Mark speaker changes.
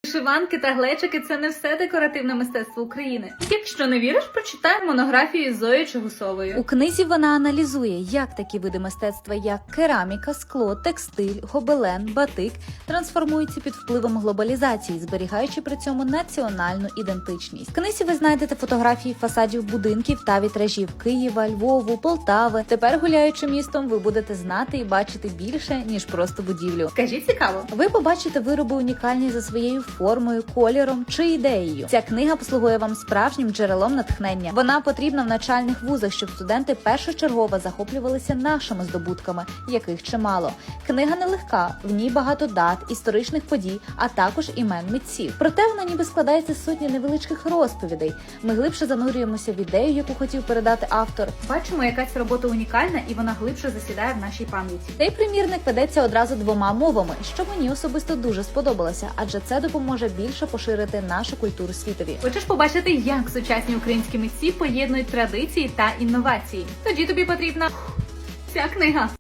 Speaker 1: Вишиванки та глечики – це не все декоративне мистецтво України. Якщо не віриш, прочитай монографію Зої Чигусової.
Speaker 2: У книзі вона аналізує, як такі види мистецтва, як кераміка, скло, текстиль, гобелен, батик трансформуються під впливом глобалізації, зберігаючи при цьому національну ідентичність. В книзі ви знайдете фотографії фасадів будинків та вітражів Києва, Львову, Полтави. Тепер, гуляючи містом, ви будете знати і бачити більше, ніж просто будівлю.
Speaker 1: Скажіть, цікаво.
Speaker 2: Ви побачите вироби унікальні за своєю формою, кольором чи ідеєю. Ця книга послугує вам справжнім джерелом натхнення. Вона потрібна в навчальних вузах, щоб студенти першочергово захоплювалися нашими здобутками, яких чимало. Книга нелегка, в ній багато дат, історичних подій, а також імен митців. Проте вона ніби складається з сотні невеличких розповідей. Ми глибше занурюємося в ідею, яку хотів передати автор.
Speaker 1: Бачимо, яка ця робота унікальна, і вона глибше засідає в нашій пам'яті.
Speaker 2: Цей примірник ведеться одразу двома мовами, що мені особисто дуже сподобалося, адже це допоможе більше поширити нашу культуру світові.
Speaker 1: Хочеш побачити, як сучасні українські митці поєднують традиції та інновації? Тоді тобі потрібна ця книга.